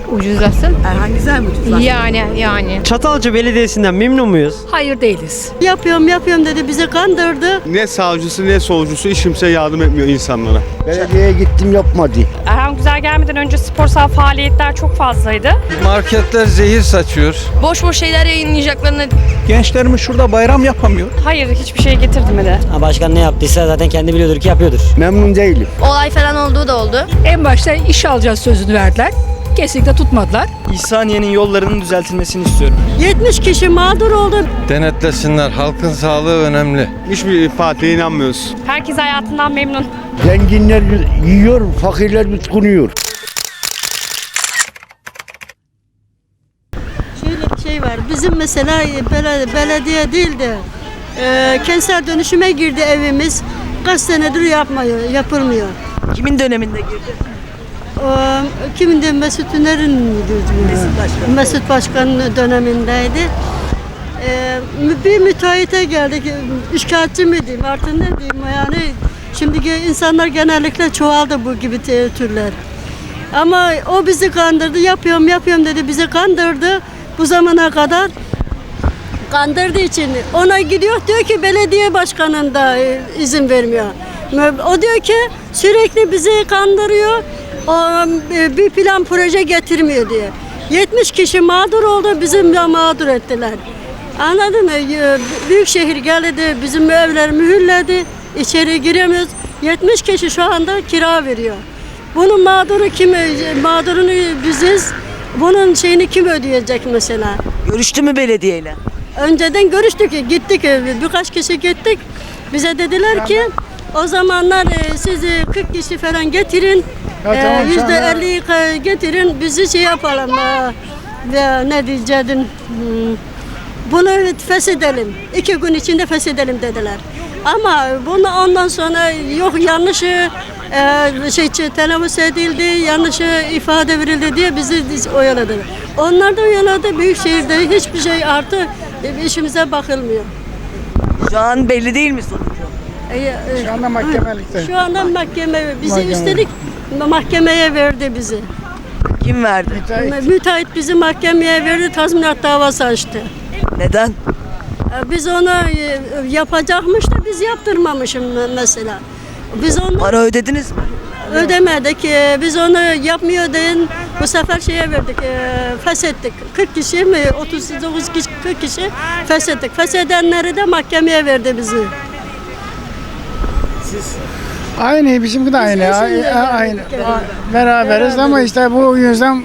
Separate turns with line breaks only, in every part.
Ucuzlasın.
Erhan güzel mi ucuzlar?
Yani.
Çatalca Belediyesi'nden memnun muyuz?
Hayır değiliz.
Yapıyorum dedi, bizi kandırdı.
Ne savcısı ne solcusu hiç kimse yardım etmiyor insanlara.
Belediyeye gittim yapmadı.
Erhan Güzel gelmeden önce sporsal faaliyetler çok fazlaydı.
Marketler zehir saçıyor.
Boş şeyler yayınlayacaklarını.
Gençlerimiz şurada bayram yapamıyor.
Hayır, hiçbir şey getirmedi.
Başkan ne yaptıysa zaten kendi biliyordur ki yapıyordur.
Memnun değilim.
Olay falan olduğu da oldu.
En başta iş alacağız sözünü verdiler. Kesinlikle tutmadılar.
İhsaniye'nin yollarının düzeltilmesini istiyorum.
70 kişi mağdur oldu.
Denetlesinler. Halkın sağlığı önemli.
Hiçbir partiye inanmıyoruz.
Herkes hayatından memnun.
Zenginler yiyor, fakirler bitkunuyor.
Şöyle bir şey var, bizim mesela belediye değil de kentsel dönüşüme girdi evimiz. Kaç senedir yapılmıyor.
Kimin döneminde girdi?
Kimin de Mesut Üner'in Mesut Başkan'ın dönemindeydi. Bir müteahhite geldik, şikayetçi mi diyeyim artık ne diyeyim yani. Şimdiki insanlar genellikle çoğaldı bu gibi türler. Ama o bizi kandırdı, yapıyorum dedi, bizi kandırdı bu zamana kadar. Kandırdığı için ona gidiyor, diyor ki belediye başkanın da izin vermiyor. O diyor ki sürekli bizi kandırıyor, o bir plan proje getirmiyor diye. 70 kişi mağdur oldu, bizim de mağdur ettiler. Anladın mı? Büyükşehir geldi, bizim evler mühürledi, içeri giremiyoruz. 70 kişi şu anda kira veriyor. Bunun mağduru kim? Mağdurunu biziz. Bunun şeyini kim ödeyecek mesela?
Görüştü mü belediyeyle?
Önceden görüştük, gittik, birkaç kişi gittik. Bize dediler ki o zamanlar siz 40 kişi falan getirin, %50'yi getirin, bizi şey yapalım, ne diyeceğim, bunu feshedelim, 2 gün içinde feshedelim dediler. Ama bunu ondan sonra yok yanlışı telaffuz edildi, yanlış ifade verildi diye bizi oyaladılar. Onlar da oyaladı, Büyükşehir'de hiçbir şey artı işimize bakılmıyor.
Şu an belli değil mi sonucu?
Şu anda mahkemelikte.
Şu anda bizi üstelik mahkemeye verdi bizi.
Kim verdi?
Müteahhit bizi mahkemeye verdi, tazminat davası açtı.
Neden?
Biz onu yapacakmış da biz yaptırmamışım mesela. Biz onu
Para ödediniz mi?
ödemedik. Biz onu yapmıyor deyin. Bu sefer şeye verdik, feshettik. 40 kişi mi, 39 kişi, 40 kişi feshettik. Feshedenleri de mahkemeye verdi bizi.
Aynı, bizimki de aynı. Aynı. Beraberiz ama işte bu yüzden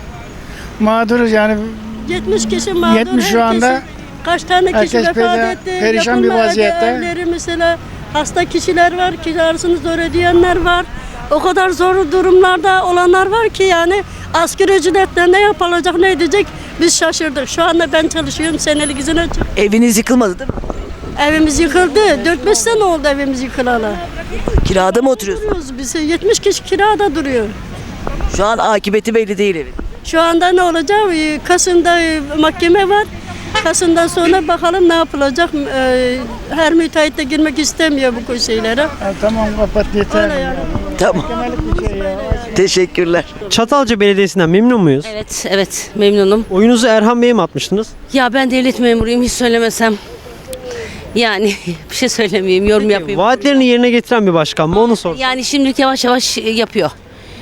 mağduruz yani.
70 kişi mağdur.
70 şu anda.
Kaç tane kişi
herkes
vefat etti.
perişan bir vaziyette.
Evleri mesela hasta kişiler var, kirasını zor ödeyenler var. O kadar zor durumlarda olanlar var ki yani asgari ücretle ne yapılacak, ne edecek biz şaşırdık. Şu anda ben çalışıyorum, senelik izin açık.
Eviniz yıkılmadı değil mi?
Evimiz yıkıldı. 4-5 sene oldu evimiz yıkılalı.
Kirada mı oturuyorsunuz?
Biz 70 kişi kirada duruyor.
Şu an akıbeti belli değil evin.
Şu anda ne olacak? Kasım'da mahkeme var. Kasım'dan sonra bakalım ne yapılacak. Her müteahhit de girmek istemiyor bu şeylere.
Tamam kapat yeter.
Öyle yani.
Tamam. Teşekkürler.
Çatalca Belediyesi'nden memnun muyuz?
Evet memnunum.
Oyunuzu Erhan Bey'e mi atmıştınız?
Ya ben devlet memuruyum hiç söylemesem. Yani bir şey söylemeyeyim, yorum yapayım.
Vaatlerini yerine getiren bir başkan mı onu sor.
Yani şimdilik yavaş yavaş yapıyor.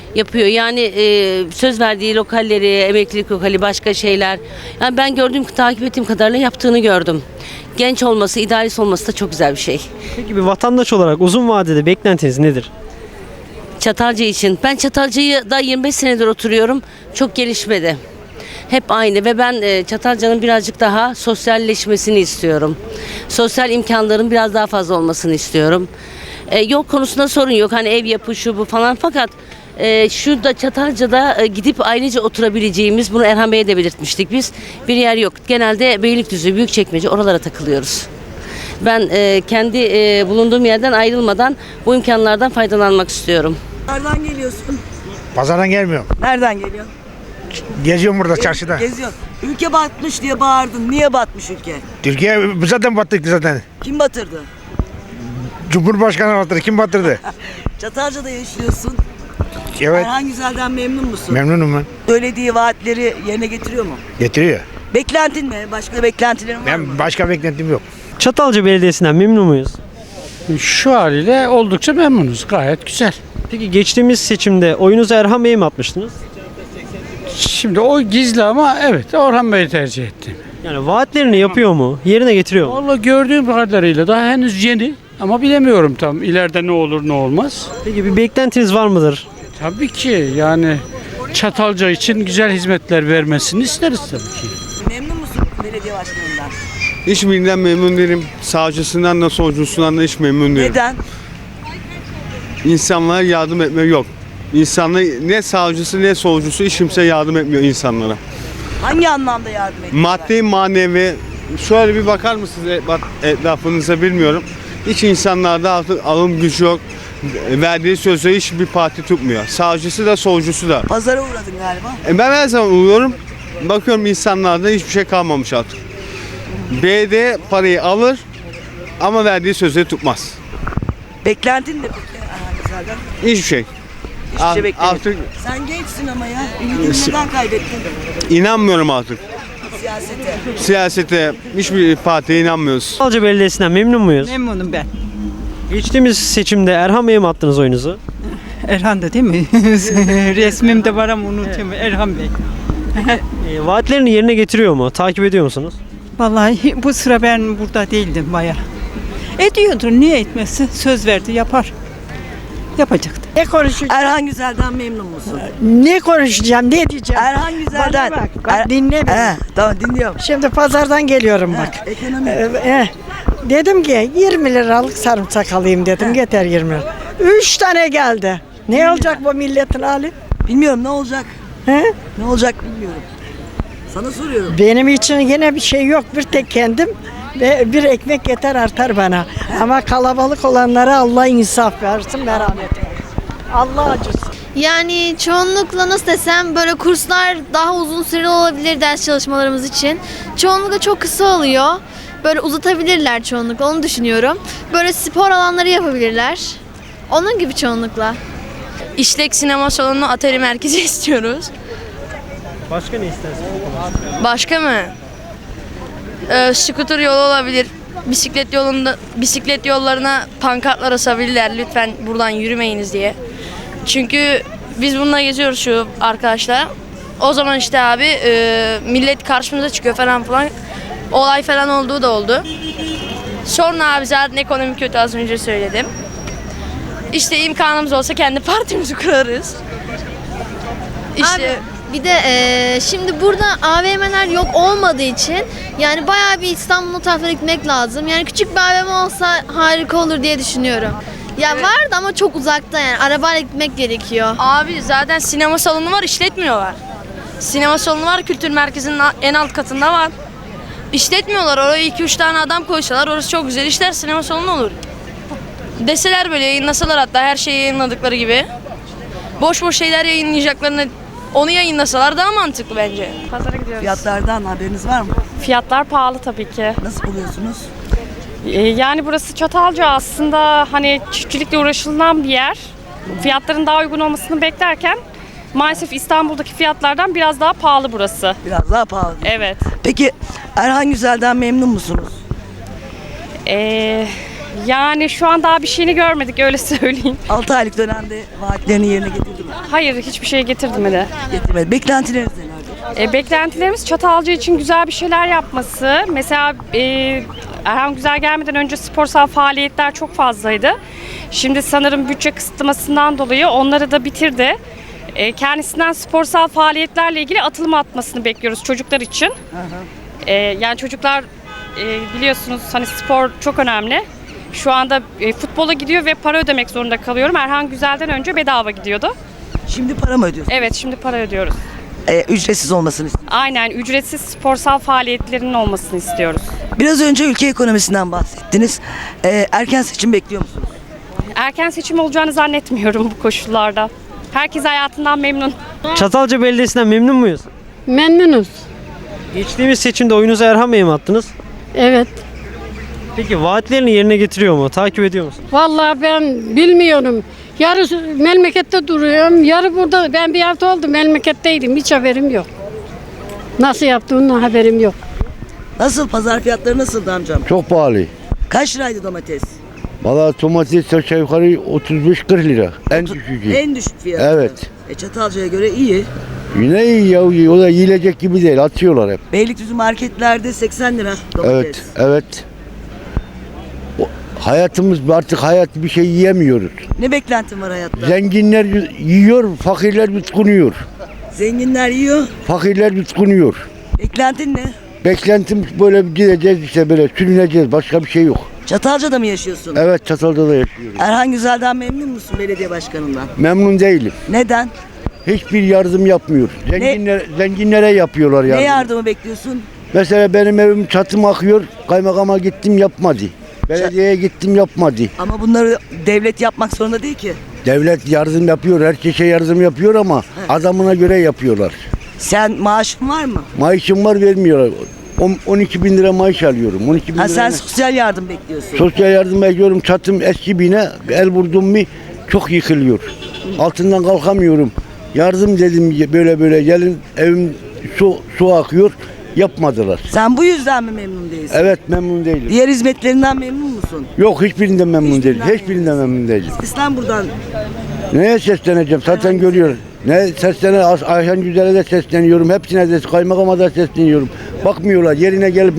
Yani söz verdiği lokalleri, emeklilik lokali, başka şeyler. Yani ben takip ettiğim kadarıyla yaptığını gördüm. Genç olması, idealist olması da çok güzel bir şey.
Peki bir vatandaş olarak uzun vadede beklentiniz nedir?
Çatalca için. Ben Çatalca'yı da 25 senedir oturuyorum. Çok gelişmedi. Hep aynı ve ben Çatalca'nın birazcık daha sosyalleşmesini istiyorum. Sosyal imkanların biraz daha fazla olmasını istiyorum. Yol konusunda sorun yok. Hani ev yapı şu bu falan fakat şurada Çatalca'da gidip ailece oturabileceğimiz, bunu Erhan Bey'e de belirtmiştik biz. Bir yer yok. Genelde Beylikdüzü, Büyükçekmece oralara takılıyoruz. Ben kendi bulunduğum yerden ayrılmadan bu imkanlardan faydalanmak istiyorum.
Nereden geliyorsun?
Pazardan gelmiyorum.
Nereden geliyorsun?
Geziyorum burada çarşıda.
Geziyorsun. Ülke batmış diye bağırdın. Niye batmış ülke?
Türkiye zaten battık zaten.
Kim batırdı?
Cumhurbaşkanı batırdı. Kim batırdı?
Çatalca'da yaşıyorsun.
Evet.
Erhan Güzel'den memnun musun?
Memnunum ben.
Söylediği vaatleri yerine getiriyor mu?
Getiriyor.
Beklentin ne? Başka beklentilerin var mı?
Ben başka beklentim yok.
Çatalca Belediyesi'nden memnun muyuz?
Şu haliyle oldukça memnunuz. Gayet güzel.
Peki geçtiğimiz seçimde oyunuzu Erhan Bey'e mi atmıştınız?
Şimdi o gizli ama evet Orhan Bey'i tercih ettim.
Yani vaatlerini yapıyor mu? Yerine getiriyor mu?
Vallahi gördüğüm kadarıyla daha henüz yeni ama bilemiyorum tam ileride ne olur ne olmaz.
Peki bir beklentiniz var mıdır?
Tabii ki yani Çatalca için güzel hizmetler vermesini isteriz tabii ki.
Memnun musun belediye başkanından?
Hiçbirinden memnun değilim. Savcısından da solcusundan da hiç memnun değilim.
Neden?
İnsanlara yardım etme yok. İnsanlar ne savcısı ne solcusu hiç kimse yardım etmiyor insanlara.
Hangi anlamda yardım ediyor?
Maddi manevi şöyle bir bakar mısınız etrafınıza bilmiyorum. Hiç insanlarda artık alım gücü yok. Verdiği sözü hiçbir parti tutmuyor. Savcısı da solcusu da.
Pazara uğradın galiba.
Ben her zaman uğruyorum. Bakıyorum insanlarda hiçbir şey kalmamış artık. Belediye parayı alır ama verdiği sözleri tutmaz.
Beklentin de peki Erhan Güzel'den?
Hiçbir şey.
Hiçbir şey beklemiyorum.
Artık
Sen gençsin ama ya. Ümidini neden kaybettin?
inanmıyorum artık.
Siyasete.
Siyasete, hiçbir partiye inanmıyoruz.
Çatalca Belediyesi'nden memnun muyuz?
Memnunum ben.
Geçtiğimiz seçimde Erhan Bey'e mi attınız oyunuzu?
Erhan da değil mi? Resmim de var ama unutuyorum. Erhan Bey.
Vaatlerini yerine getiriyor mu? Takip ediyor musunuz?
Vallahi bu sıra ben burada değildim baya. Ediyordur. Niye etmesi? Söz verdi yapar. Yapacaktı.
Ne konuşacağım?
Erhan Güzel'den memnun musun?
Ne konuşacağım? Ne diyeceğim?
Erhan Güzel'den.
Bana bak dinle beni.
Tamam dinliyorum.
Şimdi pazardan geliyorum bak.
Ekonomi.
Dedim ki 20 liralık sarımsak alayım dedim. Yeter 20 lira. 3 tane geldi. Ne olacak bu milletin hali?
Bilmiyorum ne olacak.
He?
Ne olacak bilmiyorum. Sana soruyorum.
Benim için yine bir şey yok. Bir tek kendim ve bir ekmek yeter artar bana. Ama kalabalık olanlara Allah insaf versin, merhamet versin. Allah acısın.
Yani çoğunlukla nasıl desem böyle kurslar daha uzun süreli olabilir ders çalışmalarımız için. Çoğunlukla çok kısa oluyor. Böyle uzatabilirler çoğunlukla onu düşünüyorum. Böyle spor alanları yapabilirler. Onun gibi çoğunlukla. İşlek sinema salonu atari merkezi istiyoruz.
Başka ne istersiniz?
Başka mı? Scooter yolu olabilir. Bisiklet yollarına pankartlar asabilirler. Lütfen buradan yürümeyiniz diye. Çünkü biz bununla geziyoruz şu arkadaşlar. O zaman işte abi millet karşımıza çıkıyor falan. Olay falan olduğu da oldu. Sonra abi zaten ekonomi kötü az önce söyledim. İşte imkanımız olsa kendi partimizi kurarız. İşte
bir de şimdi burada AVM'ler yok olmadığı için yani bayağı bir İstanbul'un tarafına gitmek lazım. Yani küçük bir AVM olsa harika olur diye düşünüyorum. Ya
Evet.
vardı ama çok uzakta yani arabayla gitmek gerekiyor.
abi zaten sinema salonu var işletmiyorlar. Sinema salonu var kültür merkezinin en alt katında var. İşletmiyorlar oraya 2-3 tane adam koysalar orası çok güzel işler sinema salonu olur. Deseler böyle yayınlasalar hatta her şeyi yayınladıkları gibi. Boş boş şeyler yayınlayacaklarını onu yayınlasalar daha mantıklı bence.
Pazara gidiyoruz.
Fiyatlardan haberiniz var mı?
Fiyatlar pahalı tabii ki.
Nasıl buluyorsunuz?
Yani burası Çatalca aslında hani çiftçilikle uğraşılan bir yer. Fiyatların daha uygun olmasını beklerken maalesef İstanbul'daki fiyatlardan biraz daha pahalı burası.
Biraz daha pahalı.
Evet.
Peki Erhan Güzel'den memnun musunuz?
Yani şu an daha bir şeyini görmedik öyle söyleyeyim.
6 aylık dönemde vaatlerini yerine getirdi mi?
Hayır hiçbir şey getirmedi.
Getirmedi. Beklentileriniz nelerdir?
Beklentilerimiz Çatalca için güzel bir şeyler yapması. Mesela Erhan Güzel gelmeden önce sporsal faaliyetler çok fazlaydı. Şimdi sanırım bütçe kısıtlamasından dolayı onları da bitirdi. Kendisinden sporsal faaliyetlerle ilgili atılım atmasını bekliyoruz çocuklar için. Yani çocuklar biliyorsunuz hani spor çok önemli. Şu anda futbola gidiyor ve para ödemek zorunda kalıyorum. Erhan Güzel'den önce bedava gidiyordu.
Şimdi para mı ödüyorsunuz?
Evet şimdi para ödüyoruz.
Ücretsiz olmasını istiyorsunuz.
Aynen ücretsiz sporsal faaliyetlerinin olmasını istiyoruz.
Biraz önce ülke ekonomisinden bahsettiniz. Erken seçim bekliyor musunuz?
Erken seçim olacağını zannetmiyorum bu koşullarda. Herkes hayatından memnun.
Çatalca Belediyesi'nden memnun muyuz?
Memnunuz.
Geçtiğimiz seçimde oyunuzu Erhan Bey'e mi attınız?
Evet.
Peki vaatlerini yerine getiriyor mu? Takip ediyor musunuz?
Vallahi ben bilmiyorum.
Yarı memlekette duruyorum, yarı burada. Ben bir hafta oldu memleketteydim, hiç haberim yok. Nasıl yaptığından haberim yok.
Nasıl pazar fiyatları nasıldı amcam?
Çok pahalı.
Kaç liraydı domates?
Valla domates aşağı yukarı 35-40 lira. En düşücü.
En düşük fiyatı.
Evet.
Çatalca'ya göre iyi.
Yine iyi ya. O da yiyecek gibi değil. Atıyorlar hep.
Beylikdüzü marketlerde 80 lira domates.
Evet. Evet. Hayatımız artık bir şey yiyemiyoruz.
Ne beklentin var hayatta?
Zenginler yiyor, fakirler bitkunuyor.
Zenginler yiyor.
Fakirler bitkunuyor.
Beklentin ne?
Beklentim böyle gideceğiz işte böyle sürüneceğiz. Başka bir şey yok.
Çatalca'da mı yaşıyorsun?
Evet, Çatalca'da yaşıyorum.
Erhan Güzel'den memnun musun belediye başkanından?
Memnun değilim.
Neden?
Hiçbir yardım yapmıyor. Zenginlere yapıyorlar
Ne
yardım.
yardımı bekliyorsun?
Mesela benim evim çatım akıyor. Kaymakama gittim yapmadı. Belediyeye gittim yapmadı.
Ama bunları devlet yapmak zorunda değil ki.
Devlet yardım yapıyor. Herkese yardım yapıyor ama adamına göre yapıyorlar.
Sen maaşın var mı?
Maaşım var, vermiyorlar. 12 bin lira maaş alıyorum. 12 bin
Ha,
lira
sen sosyal yardım bekliyorsun.
sosyal yardım bekliyorum. Çatım eski bina. El vurdum mu çok yıkılıyor. Altından kalkamıyorum. Yardım dedim böyle gelin, evim su akıyor. Yapmadılar.
Sen bu yüzden mi memnun değilsin?
Evet, memnun değilim.
Diğer hizmetlerinden memnun musun?
Yok, hiçbirinden memnun değilim.
Hiçbirinden
Hiçbirinden memnun değilim.
İslam buradan.
Neye sesleneceğim? Zaten görüyor. Ne Ayhan Güzel'e de sesleniyorum. Hepsine de, kaymakama da sesleniyorum. Bakmıyorlar. Yerine gelip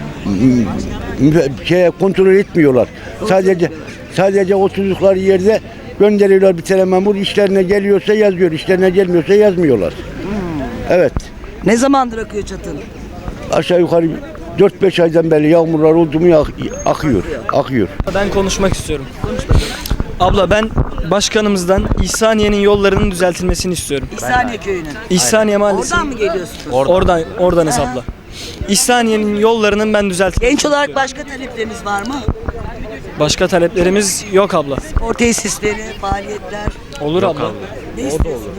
kontrol etmiyorlar. Sadece oturdukları yerde gönderiyorlar bir tane memur. İşlerine geliyorsa yazıyor. İşlerine gelmiyorsa yazmıyorlar. Evet.
Ne zamandır akıyor çatın?
Aşağı yukarı 4-5 aydan beri yağmurlar oldu mu akıyor.
Ben konuşmak istiyorum. Abla, ben başkanımızdan İhsaniye'nin yollarının düzeltilmesini istiyorum.
İhsaniye köyünün.
İhsaniye Mahallesi.
Oradan mı geliyorsunuz?
Oradanız abla. İhsaniye'nin yollarının ben düzeltilmesini
Genç olarak
istiyorum.
başka talepleriniz var mı?
Başka taleplerimiz yok abla.
Spor tesisleri, faaliyetler.
Olur abla.
Ne istiyorsunuz?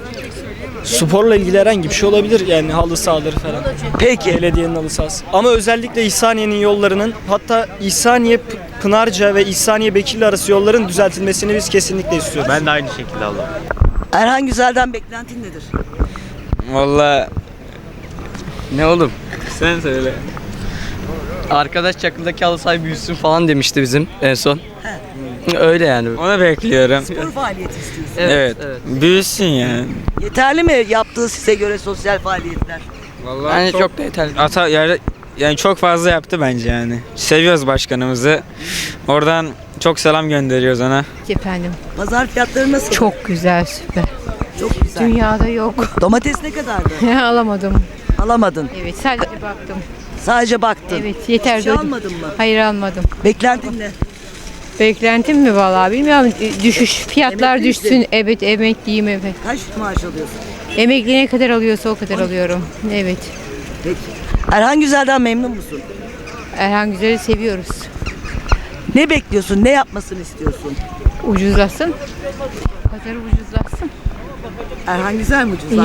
Sporla ilgili herhangi bir şey olabilir, yani halı sahaları falan.
Peki.
Belediyenin halı sahası. Ama özellikle İhsaniye'nin yollarının, hatta İhsaniye Pınarca ve İhsaniye Bekirli arası yolların düzeltilmesini biz kesinlikle istiyoruz.
Ben de aynı şekilde abla.
Erhan Güzel'den beklentin nedir?
Vallahi ne oğlum? Sen söyle. Arkadaş Çakıl'daki halı sahibi büyüsün falan demişti bizim en son. Öyle yani.
Onu bekliyorum.
Spor faaliyeti istiyorsun.
Evet.
Büyüsün yani.
Yeterli mi yaptığı size göre sosyal faaliyetler?
Vallahi bence çok da yeterli.
Yani çok fazla yaptı bence yani. Seviyoruz başkanımızı. Oradan çok selam gönderiyoruz ona.
Efendim,
Pazar fiyatları nasıl?
çok güzel, süper.
Çok güzel.
Dünyada yok.
Domates ne kadardı?
Alamadım.
Alamadın.
Evet, sadece baktım.
Sadece baktın.
Evet, yeter.
Hiçbir şey
doydum.
almadın mı?
Hayır, almadım.
Beklentin ne?
Beklentim mi vallahi bilmiyorum. Düşüş, fiyatlar
Emeklisin.
düşsün. Evet, emekliyim, evet.
Kaç maaş alıyorsun?
Emekli ne kadar alıyorsa o kadar alıyorum. Evet.
Peki. Erhan Güzel'den memnun musun?
Erhan Güzel'i seviyoruz.
Ne bekliyorsun? Ne yapmasını istiyorsun?
Ucuzlasın. Pazarı ucuzlasın.
Erhan Güzel mi ucuzlaştı?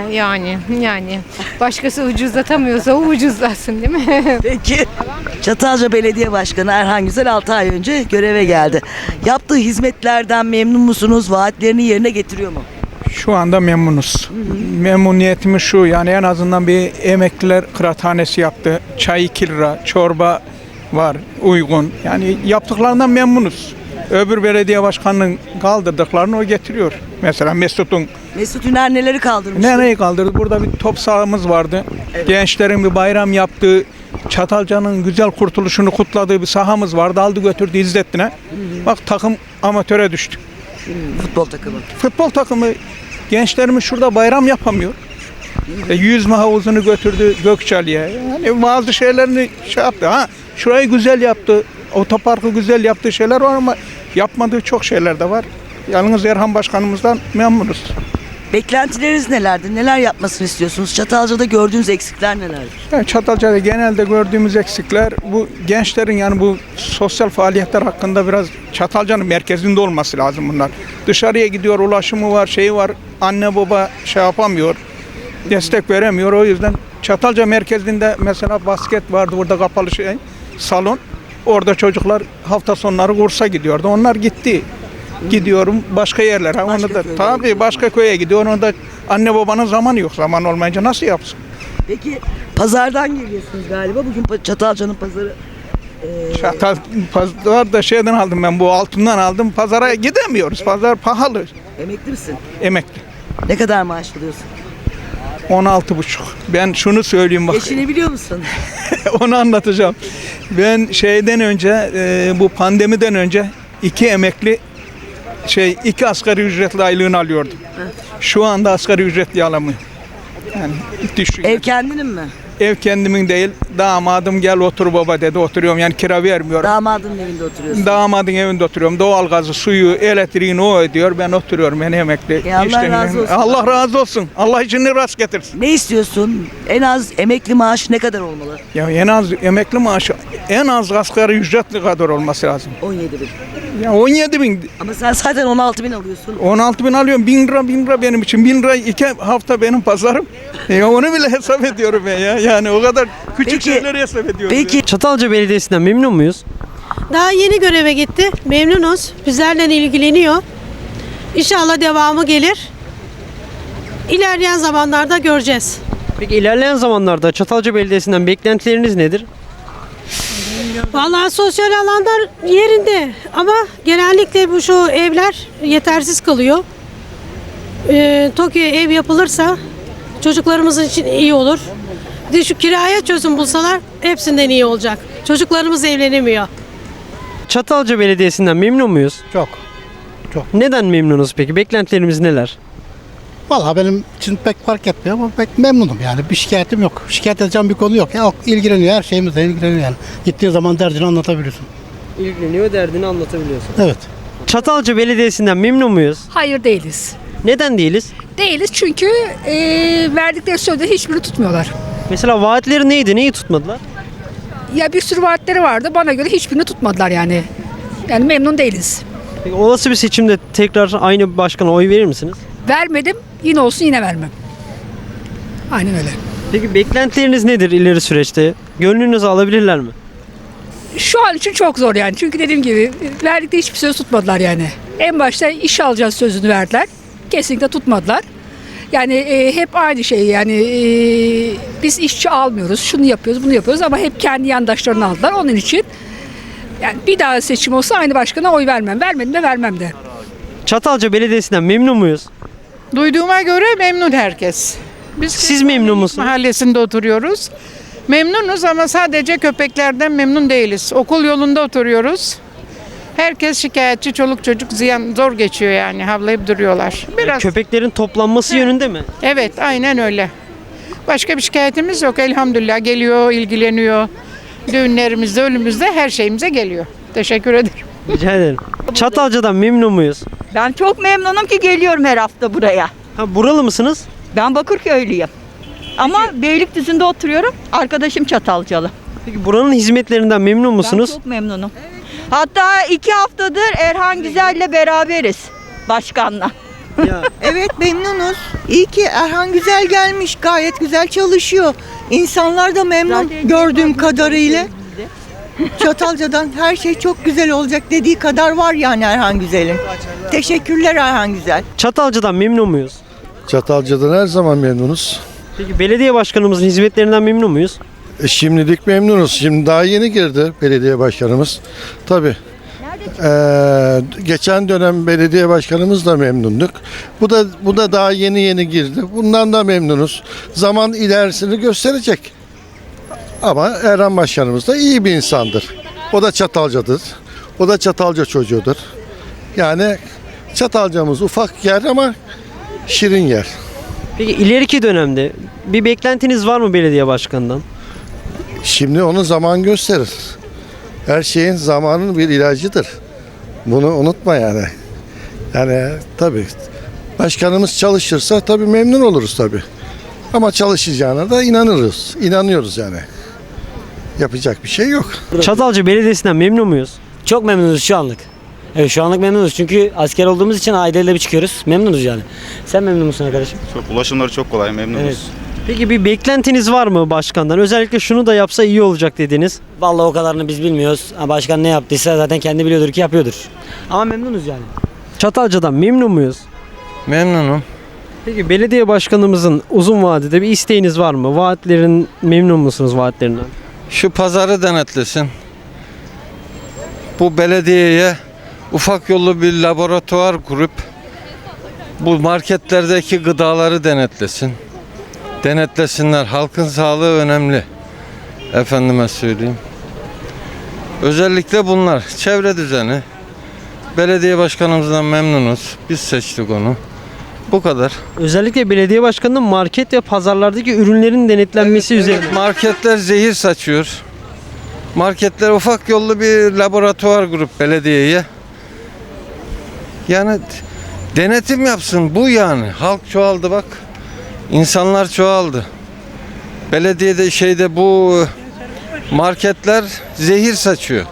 Yani. Başkası ucuzlatamıyorsa o ucuzlasın, değil mi?
Peki. Çatalca Belediye Başkanı Erhan Güzel 6 ay önce göreve geldi. Yaptığı hizmetlerden memnun musunuz? Vaatlerini yerine getiriyor mu?
Şu anda memnunuz. Memnuniyetimiz şu, yani en azından bir emekliler kıraathanesi yaptı. Çay 2 lira, çorba var uygun. Yani yaptıklarından memnunuz. Öbür belediye başkanının kaldırdıklarını o getiriyor. Mesela
Mesut Üner neleri kaldırmış?
nereyi kaldırdı? Burada bir top sahamız vardı. Gençlerin bir bayram yaptığı, Çatalca'nın güzel kurtuluşunu kutladığı bir sahamız vardı. Aldı götürdü İzzettin'e. Bak, takım amatöre düştü.
Futbol takımı.
Futbol takımı, gençlerimiz şurada bayram yapamıyor. Yüzme havuzunu götürdü Gökçeli'ye. Yani bazı şeylerini yaptı. Şurayı güzel yaptı. Otoparkı güzel yaptığı şeyler var ama yapmadığı çok şeyler de var. Yalnız Erhan Başkanımızdan memnunuz.
Beklentileriniz nelerdir? Neler yapmasını istiyorsunuz? Çatalca'da gördüğünüz eksikler nelerdir?
Yani Çatalca'da genelde gördüğümüz eksikler bu gençlerin, yani bu sosyal faaliyetler hakkında biraz Çatalca'nın merkezinde olması lazım bunlar. Dışarıya gidiyor, ulaşımı var, şeyi var. Anne baba yapamıyor, destek veremiyor. O yüzden Çatalca merkezinde mesela basket vardı, burada kapalı salon. Orada çocuklar hafta sonları kursa gidiyordu. Onlar gitti. Gidiyorum başka yerlere. Onu da
köye
tabii başka köye gidiyor. Onu da anne babanın zamanı yok. Zaman olmayınca nasıl yapsın?
Peki pazardan geliyorsunuz galiba. Bugün Çatalca'nın pazarı.
Pazar da şeyden aldım ben, bu altından aldım. Pazara gidemiyoruz. Pazar pahalı.
Emekli misin?
Emekli.
Ne kadar maaş alıyorsun?
16,5. Ben şunu söyleyeyim bak.
Geçinebiliyor musun?
Onu anlatacağım. Ben şeyden önce, bu pandemiden önce 2 asgari ücretli aylığını alıyordum. Şu anda asgari ücretli alamıyorum. Yani düşün.
Ev kendinin mi?
Ev kendimin değil. Damadım gel otur baba dedi. Oturuyorum, yani kira vermiyorum.
Damadın evinde oturuyorsun.
Damadın evinde oturuyorum. Doğalgazı, suyu, elektriğini o ödüyor. Ben oturuyorum. Ben emekli.
Allah razı olsun.
Allah razı olsun. Allah işini rast getirsin.
Ne istiyorsun? En az emekli maaşı ne kadar olmalı?
Ya en az emekli maaşı en az asgari ücretli kadar olması lazım.
17 bin.
Ya 17 bin.
Ama sen zaten 16 bin alıyorsun.
16 bin alıyorum. 1000 lira benim için. 1000 lira 2 hafta benim pazarım. Onu bile hesap ediyorum ben ya. Yani o kadar küçük şeyleri hesap ediyorum.
Peki
Çatalca Belediyesi'nden memnun muyuz?
Daha yeni göreve gitti. Memnunuz. Bizlerle ilgileniyor. İnşallah devamı gelir. İlerleyen zamanlarda göreceğiz.
Peki ilerleyen zamanlarda Çatalca Belediyesi'nden beklentileriniz nedir?
Vallahi sosyal alanlar yerinde ama genellikle bu şu evler yetersiz kalıyor. Tokyo'ya ev yapılırsa çocuklarımız için iyi olur. Bir de şu kiraya çözüm bulsalar hepsinden iyi olacak. Çocuklarımız evlenemiyor.
Çatalca Belediyesi'nden memnun muyuz?
Çok.
Neden memnunuz peki? Beklentilerimiz neler?
Vallahi benim için pek fark etmiyor ama pek memnunum yani. Bir şikayetim yok. Şikayet edeceğim bir konu yok. Ya ilgileniyor, her şeyimizle ilgileniyor yani. Gittiğin zaman derdini anlatabiliyorsun.
İlgileniyor, derdini anlatabiliyorsun.
Evet.
Çatalca Belediyesi'nden memnun muyuz?
Hayır değiliz.
Neden değiliz?
Değiliz çünkü verdikleri sözde hiçbirini tutmuyorlar.
Mesela vaatleri neydi? Neyi tutmadılar?
Ya bir sürü vaatleri vardı. Bana göre hiçbirini tutmadılar yani. Yani memnun değiliz.
Peki olası bir seçimde tekrar aynı başkana oy verir misiniz?
Vermedim. Yine olsun yine vermem. Aynen öyle.
Peki beklentileriniz nedir ileri süreçte? Gönlünüzü alabilirler mi?
Şu an için çok zor yani. Çünkü dediğim gibi verdikleri hiçbir söz tutmadılar yani. En başta iş alacağız sözünü verdiler. Kesinlikle tutmadılar. Yani hep aynı şey yani biz işçi almıyoruz, şunu yapıyoruz, bunu yapıyoruz ama hep kendi yandaşlarını aldılar. Onun için yani bir daha seçim olsa aynı başkana oy vermem. Vermedim de vermem de.
Çatalca Belediyesi'nden memnun muyuz?
Duyduğuma göre memnun herkes.
Siz memnun musunuz?
Mahallesinde oturuyoruz. Memnunuz ama sadece köpeklerden memnun değiliz. Okul yolunda oturuyoruz. Herkes şikayetçi, çoluk çocuk ziyan zor geçiyor yani, havlayıp duruyorlar. Biraz
Köpeklerin toplanması yönünde mi?
evet, aynen öyle. Başka bir şikayetimiz yok elhamdülillah, geliyor, ilgileniyor. Düğünlerimizde, ölümümüzde her şeyimize geliyor. Teşekkür ederim.
Rica ederim. Çatalca'dan memnun muyuz?
Ben çok memnunum ki geliyorum her hafta buraya.
Ha, buralı mısınız?
Ben Bakırköylüyüm. Ama Beylikdüzü'nde oturuyorum. Arkadaşım Çatalcalı.
Peki buranın hizmetlerinden memnun musunuz?
Ben çok memnunum. Hatta 2 haftadır Erhan Güzel'le beraberiz. Başkanla.
Evet, memnunuz. İyi ki Erhan Güzel gelmiş. Gayet güzel çalışıyor. İnsanlar da memnun gördüğüm kadarıyla. Çatalca'dan her şey çok güzel olacak dediği kadar var yani Erhan Güzel'in. Teşekkürler Erhan Güzel.
Çatalca'dan memnun muyuz?
Çatalca'dan her zaman memnunuz.
Peki belediye başkanımızın hizmetlerinden memnun muyuz?
Şimdilik memnunuz. Şimdi daha yeni girdi belediye başkanımız. Tabii. Geçen dönem belediye başkanımız da memnunduk. Bu da daha yeni girdi. Bundan da memnunuz. Zaman ilerisini gösterecek. Ama Erhan Başkanımız da iyi bir insandır. O da Çatalca'dır. O da Çatalca çocuğudur. Yani Çatalca'mız ufak yer ama şirin yer.
Peki ileriki dönemde bir beklentiniz var mı belediye başkanından?
Şimdi onu zaman gösterir. Her şeyin zamanın bir ilacıdır. Bunu unutma yani. Yani tabii başkanımız çalışırsa tabii memnun oluruz tabii. Ama çalışacağına da İnanıyoruz yani. Yapacak bir şey yok.
Çatalca Belediyesi'nden memnun muyuz?
Çok memnunuz şu anlık. Evet, şu anlık memnunuz çünkü asker olduğumuz için aileyle bir çıkıyoruz. Memnunuz yani. Sen memnun musun arkadaşım?
Çok, ulaşımları çok kolay, memnunuz.
Evet.
Peki bir beklentiniz var mı başkandan? Özellikle şunu da yapsa iyi olacak dediğiniz.
Vallahi o kadarını biz bilmiyoruz. Başkan ne yaptıysa zaten kendi biliyordur ki yapıyordur. Ama memnunuz yani.
Çatalca'dan memnun muyuz?
Memnunum.
Peki belediye başkanımızın uzun vadede bir isteğiniz var mı? Vaatlerin memnun musunuz vaatlerinden?
Şu pazarı denetlesin. Bu belediyeye ufak yollu bir laboratuvar kurup bu marketlerdeki gıdaları denetlesin. Denetlesinler. Halkın sağlığı önemli. Efendime söyleyeyim. Özellikle bunlar. Çevre düzeni. Belediye başkanımızdan memnunuz. Biz seçtik onu. Bu kadar.
Özellikle belediye başkanının market ve pazarlardaki ürünlerin denetlenmesi üzerine.
Marketler zehir saçıyor. Marketler ufak yollu bir laboratuvar grup belediyeye. Yani denetim yapsın bu yani. Halk çoğaldı bak. İnsanlar çoğaldı. Belediyede bu marketler zehir saçıyor.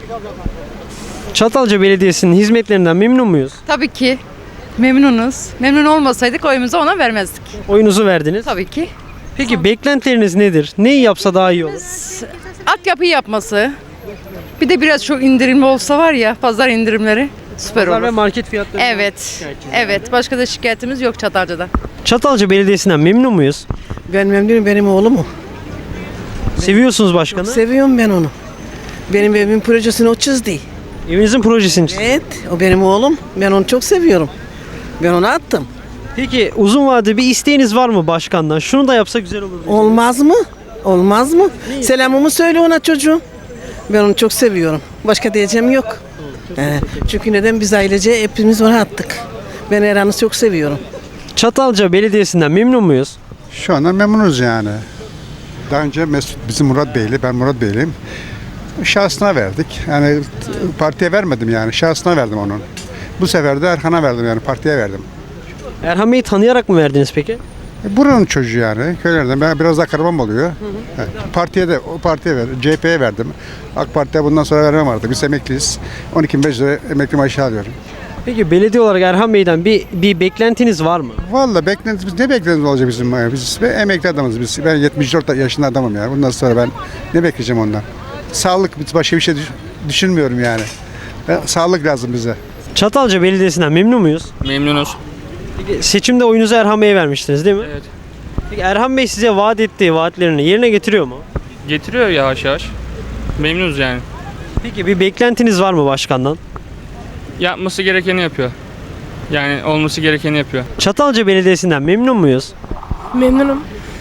Çatalca Belediyesi'nin hizmetlerinden memnun muyuz?
Tabii ki. Memnunuz. Memnun olmasaydık oyumuzu ona vermezdik.
Oyunuzu verdiniz.
Tabii ki.
Peki beklentileriniz nedir? Neyi yapsa daha iyi olur?
Altyapıyı yapması. Bir de biraz çok indirimli olsa var ya, pazar indirimleri süper
Pazar
olur.
ve market fiyatları.
Evet. Evet. Başka da şikayetimiz yok Çatalca'da.
Çatalca Belediyesi'nden memnun muyuz?
Ben memnunum, benim oğlum o.
Seviyorsunuz başkanı.
Seviyorum ben onu. Benim evimin projesini o çizdi.
Evinizin projesini çizdi.
Evet, o benim oğlum. Ben onu çok seviyorum. Ben onu attım.
Peki uzun vadede bir isteğiniz var mı başkandan? Şunu da yapsa güzel olur.
Olmaz mı? Olmaz mı? Selamımı söyle ona çocuğum. Ben onu çok seviyorum. Başka diyeceğim yok. Çünkü neden biz ailece hepimiz ona attık. Ben Erhan'ı çok seviyorum.
Çatalca Belediyesi'nden memnun muyuz?
Şu anda memnunuz yani. Daha önce Mesut bizim Murat Beyli, ben Murat Beyliyim. Şahsına verdik. Yani partiye vermedim yani. Şahsına verdim onun. Bu sefer de Erhan'a verdim yani partiye verdim.
Erhan Bey'i tanıyarak mı verdiniz peki?
Buranın çocuğu yani. Köylerden. Ben biraz daha karabam oluyor. Yani partiye de o partiye verdim. CHP'ye verdim. AK Parti'ye bundan sonra vermem artık. Biz emekliyiz. 12.500 lira emekli maaşı alıyorum.
Peki belediye olarak Erhan Bey'den bir beklentiniz var mı?
Vallahi beklentimiz ne beklentimiz olacak bizim? Biz emekli adamız biz. Ben 74 yaşında adamım yani. Bundan sonra ben ne bekleyeceğim ondan? Sağlık, başka bir şey düşünmüyorum yani. Sağlık lazım bize.
Çatalca Belediyesi'nden memnun muyuz?
Memnunuz.
Peki seçimde oyunuzu Erhan Bey'e vermiştiniz değil mi?
Evet.
Peki Erhan Bey size vaat ettiği vaatlerini yerine getiriyor mu?
Getiriyor yavaş yavaş. Memnunuz yani.
Peki bir beklentiniz var mı başkandan?
Yapması gerekeni yapıyor. Yani olması gerekeni yapıyor.
Çatalca Belediyesi'nden memnun muyuz?
Memnunum.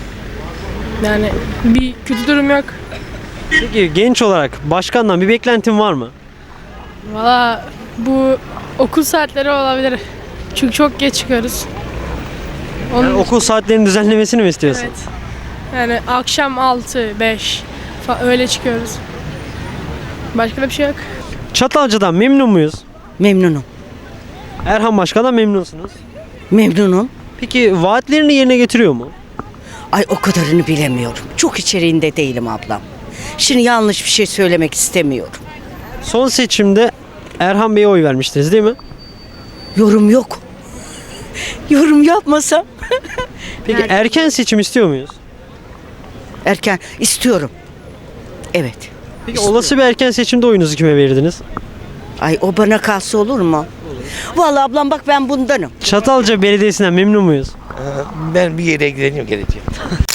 Yani bir kötü durum yok.
Peki genç olarak başkandan bir beklentin var mı?
Valla bu okul saatleri olabilir. Çünkü çok geç çıkıyoruz.
Yani okul saatlerinin düzenlemesini mi istiyorsun?
Evet. Yani akşam 6-5 öyle çıkıyoruz. Başka da bir şey yok.
Çatalca'dan memnun muyuz?
Memnunum.
Erhan Başkan'dan memnunsunuz.
Memnunum.
Peki vaatlerini yerine getiriyor mu?
Ay o kadarını bilemiyorum. Çok içeriğinde değilim ablam. Şimdi yanlış bir şey söylemek istemiyorum.
Son seçimde Erhan Bey'e oy vermiştiniz değil mi?
Yorum yok. Yorum yapmasam.
Peki erken seçim istiyor muyuz?
Erken istiyorum. Evet.
Peki olası bir erken seçimde oyunuzu kime verirdiniz?
Ay o bana kalsa olur mu? Vallahi ablam bak ben bundanım.
Çatalca Belediyesi'nden memnun muyuz?
Ben bir yere gideceğim.